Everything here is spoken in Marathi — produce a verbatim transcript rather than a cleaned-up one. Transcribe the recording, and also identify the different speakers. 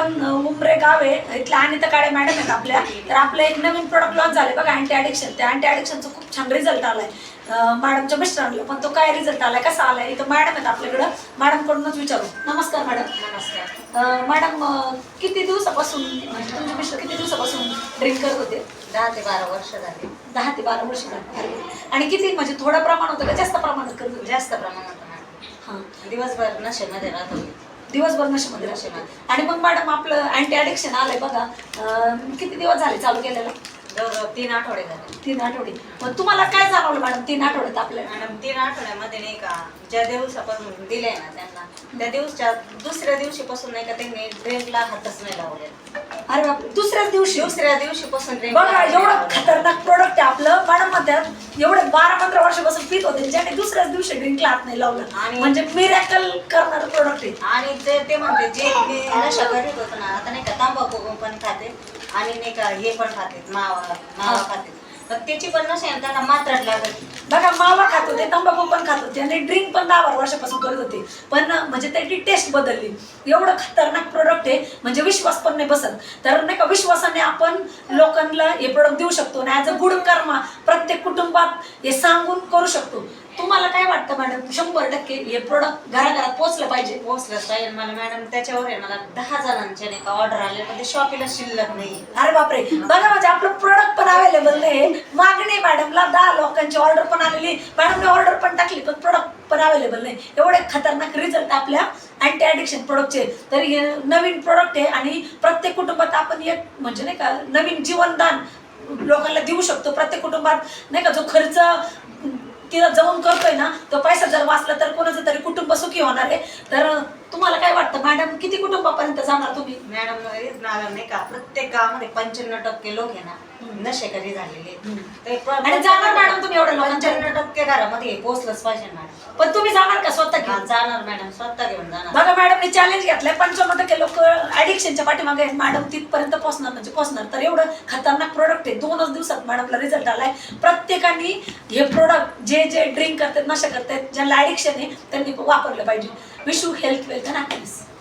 Speaker 1: आपण उमरे गाव आहे इथल्या अनिता काळे मॅडम आहेत आपल्या. तर आपलं एक नवीन प्रोडक्ट लॉन्च झाले बघा अँटी ॲडिक्शन. त्या अँटी ॲडिक्शनचा खूप छान रिझल्ट आलाय मॅडमच्या मिस्टरांना. पण तो काय रिझल्ट आलाय कसा आलाय इथं मॅडम आहेत आपल्याकडं. मॅडमकडूनच विचारू. नमस्कार मॅडम.
Speaker 2: नमस्कार
Speaker 1: मॅडम, किती दिवसापासून म्हणजे तुमचे मिस्टर किती दिवसापासून ड्रिंक करत होते?
Speaker 2: दहा ते बारा वर्ष झाली.
Speaker 1: दहा ते बारा वर्ष झाली. आणि किती म्हणजे थोडं प्रमाण होतं का जास्त प्रमाणात करत होते?
Speaker 2: जास्त प्रमाणात
Speaker 1: हां,
Speaker 2: दिवसभर नशेमध्ये राहत होती.
Speaker 1: दिवसभर नशेमध्ये
Speaker 2: नशेमध्ये.
Speaker 1: आणि मग मॅडम आपलं अँटी ॲडिक्शन आलंय बघा, किती दिवस झाले चालू केलेलं?
Speaker 2: जवळजवळ तीन आठवडे झाले.
Speaker 1: तीन आठवडे. मग तुम्हाला काय जाणवलं मॅडम तीन आठवड्यात आपल्या?
Speaker 2: मॅडम तीन आठवड्यामध्ये नाही का ज्या दिवसापासून दिले ना त्यांना त्या दिवसच्या दुसऱ्या दिवशीपासून नाही का त्यांनी ड्रिंकला हातच नाही लावले.
Speaker 1: अरे बाप, दुसऱ्याच दिवशी?
Speaker 2: दुसऱ्या दिवशीपासून drink
Speaker 1: बघा
Speaker 2: ला
Speaker 1: एवढं
Speaker 2: लावले.
Speaker 1: खतरनाक प्रोडक्ट आहे आपलं. मॅडम म्हणतात एवढे बारा पंधरा वर्षापासून पित होते ज्याने दुसऱ्याच दिवशी ड्रिंकला हात नाही लावलं.
Speaker 2: आणि
Speaker 1: म्हणजे मिरॅकल करणारं प्रोडक्ट आहे.
Speaker 2: आणि ते ते म्हणते जे मी नशा करीत होतो ना आता नाही का तांबाखू पण खाते आणि नाही का हे पण खाते मावा मावा खाते. तर त्याची पण नशा आहे त्यांना मात्रात लागत.
Speaker 1: बघा मावा खात होते, तंबाखू पण खात होते आणि ड्रिंक पण दहा बारा वर्षापासून करत होते. पण म्हणजे त्याची टेस्ट बदलली. एवढं खतरनाक प्रोडक्ट आहे म्हणजे विश्वास पण नाही बसत. तर नाही का विश्वासाने आपण लोकांना हे प्रोडक्ट देऊ शकतो आणि ॲज अ गुड कर्मा प्रत्येक कुटुंबात हे सांगून करू शकतो. तुम्हाला काय वाटतं मॅडम? शंभर टक्के हे प्रोडक्ट घराघरात पोहोचलं पाहिजे.
Speaker 2: पोहोचलंच पाहिजे. मला मॅडम त्याच्यावर आहे मला दहा जणांचे नाही का ऑर्डर आले पण ते शॉपीला शिल्लक नाही.
Speaker 1: अरे बापरे, बघा म्हणजे आपलं प्रोडक्ट पण अवेलेबल नाही. मागणी मॅडमला दहा लोकांची ऑर्डर पण आलेली, मॅडमने ऑर्डर पण टाकली पण प्रोडक्ट पण अवेलेबल नाही. एवढे खतरनाक रिझल्ट आपल्या अँटी ॲडिक्शन प्रोडक्टचे. तर हे नवीन प्रोडक्ट आहे आणि प्रत्येक कुटुंबात आपण एक म्हणजे नाही का नवीन जीवनदान लोकांना देऊ शकतो. प्रत्येक कुटुंबात नाही का जो खर्च तिला जाऊन करतोय ना तो पैसा जर वाचला तर कोणाचं तरी कुटुंब सुखी होणार आहे. तर तुम्हाला काय वाटतं मॅडम, किती कुटुंबापर्यंत जाणार तुम्ही?
Speaker 2: मॅडम नाही का प्रत्येक गावामध्ये पंच्याण्णव टक्के लोक आहे ना नशेकरी झालेले.
Speaker 1: आणि जाणार मॅडम तुम्ही एवढ्या लोकांच्या?
Speaker 2: पंच्याण्णव टक्के घरामध्ये पोहोचलंच पाहिजे मॅडम.
Speaker 1: पण तुम्ही जाणार का स्वतः घेऊन?
Speaker 2: जाणार मॅडम, स्वतः घेऊन जाणार.
Speaker 1: बघा मॅडमने चॅलेंज घेतलंय. पंच्याण्णव टक्के लोक ऍडिक्शनच्या पाठीमागे आहेत. मॅडम तिथपर्यंत पोहोचणार म्हणजे पोहोचणार. तर एवढं खतरनाक प्रोडक्ट आहे. दोनच दिवसात मॅडमला रिझल्ट आलाय. प्रत्येकाने हे प्रोडक्ट जे जे ड्रिंक करतात नशा करतात ज्यांना ऍडिक्शन आहे त्यांनी वापरलं पाहिजे. Wish you health, wealth and happiness.